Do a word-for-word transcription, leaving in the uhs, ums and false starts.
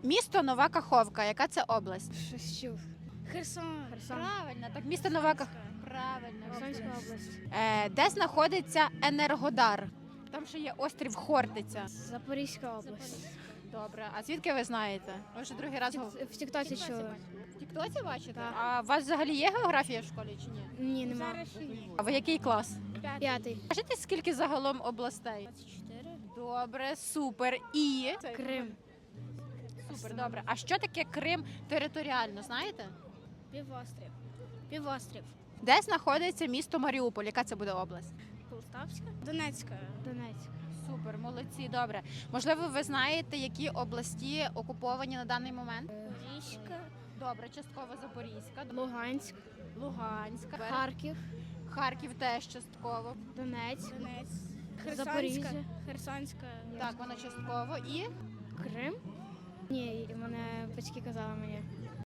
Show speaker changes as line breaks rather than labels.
Місто Нова Каховка. Яка це область?
Щось чув. Херсон. Херсон.
Правильно, так місто Нова Каховка. Правильно.
Херсонська область.
Е, де знаходиться Енергодар? Там ще є острів Хортиця.
Запорізька область.
Добре. А звідки ви знаєте? Ви вже другий раз говорите.
В Тіктоці чули.
В Тіктоці бачите?
Так.
А у вас взагалі є географія в школі чи ні?
Ні, нема.
А ви який клас?
П'ятий.
Скажіть, скільки загалом областей?
чотири.
Добре, супер. І
Крим.
супер, добре. А що таке Крим територіально, знаєте?
Півострів. Півострів.
Де знаходиться місто Маріуполь? Яка це буде область?
Полтавська? Донецька. Донецька.
Супер, молодці, добре. Можливо, ви знаєте, які області окуповані на даний момент?
Запорізька.
Добре, частково Запорізька,
Луганськ.
Луганська,
Харків.
Харків теж частково.
Донець.
Донець.
Запоріжжя.
Херсонська.
Так, вона частково і
Крим. Ні, мене батьки казали мені.